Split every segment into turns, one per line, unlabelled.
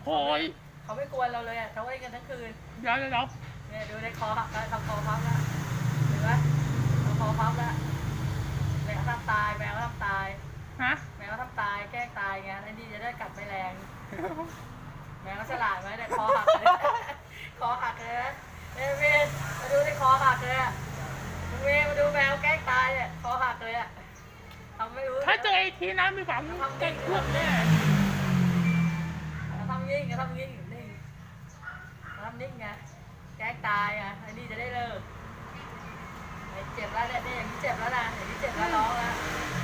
โอ้ย
เขาไม่กวนเราเลยอ่ะเขาเล่นกันทั้งคืน
เดี๋ยว
เนี่ยดูในคอหักแล้วทำคอพับแล้วเห็นไหมทำคอพับแล้วแมวทำตายแมวทำตาย
ฮะ
แมวทำตายแกล้งตายไงไอ้นี่จะได้กัดไม่แรงแมวฉลาดไหมเนี่ยคอหักเลยคอหักเลยเอ้ยเวนมาดูในคอหักเลยอ่ะเวนมาดูแมวแกล้งตายเนี่ยคอหักเลยอ่ะทำไม่รู้
ถ้าเจอไอ้ทีนะมีความเก่งพวกแน่
ทำยิ่งทำยิ่งนิ่งทำนิ่งไงแกล้งตายไงไอ้นี่จะได้เลิกไอ้เจ็บแล้วเนี่ยอย่างนี้เจ็บแล้วนะอย่างนี้เจ็บแล้วร้องแล้ว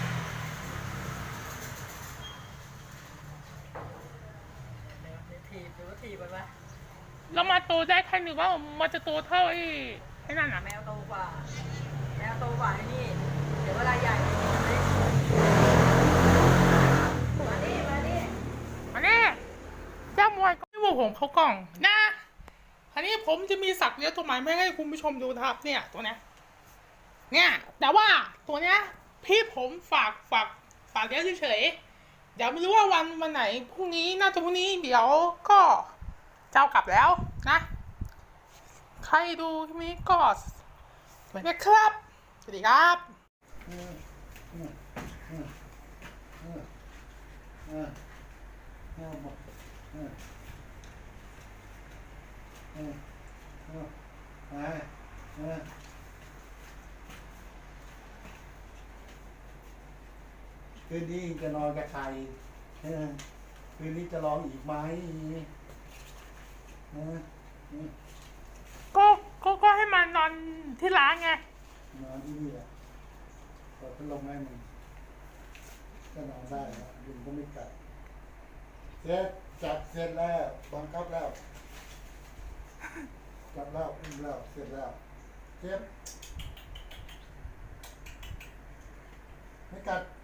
ถีบหรือว่าถีบมันวะ
แล้วมาโตได้แค่หนึ่งว่ามันจะโตเท่าไอ้นั่นอ่ะ
แมวโตกว่าแมวโตกว่าไอ้นี่เดี๋ยวเวลาใหญ่มานี่
อันนี้เจ้ามวยก็ไม่ว่าผมเขากล่องนะอันนี้ผมจะมีสักเลี้ยงตัวใหม่ไม่ให้คุณผู้ชมดูนะครับเนี่ยตัวเนี้ยเนี่ยแต่ว่าตัวเนี้ยพี่ผมฝากเลี้ยงเฉยๆเดี๋ยวไม่รู้ว่าวันไหนพรุ่งนี้น่าจะพรุ่งนี้เดี๋ยวก็เจ้ากลับแล้วนะใครดูคลิปนี้ก็สวัสดีครับสวัสดีครับ
คืนนี้จะนอนกับใครคืนนี้จะร้องอีกไหม
ก็ให้มันนอนที่ร้านไง
นอนที่นี่แหละเปิดพัดลมให้มันก็นอนได้แล้วยุงก็ไม่กัดเสร็จจับเสร็จแล้วบังคับแล้วจับแล้วอุ้มแล้วเสร็จแล้วเจ็บไม่กัด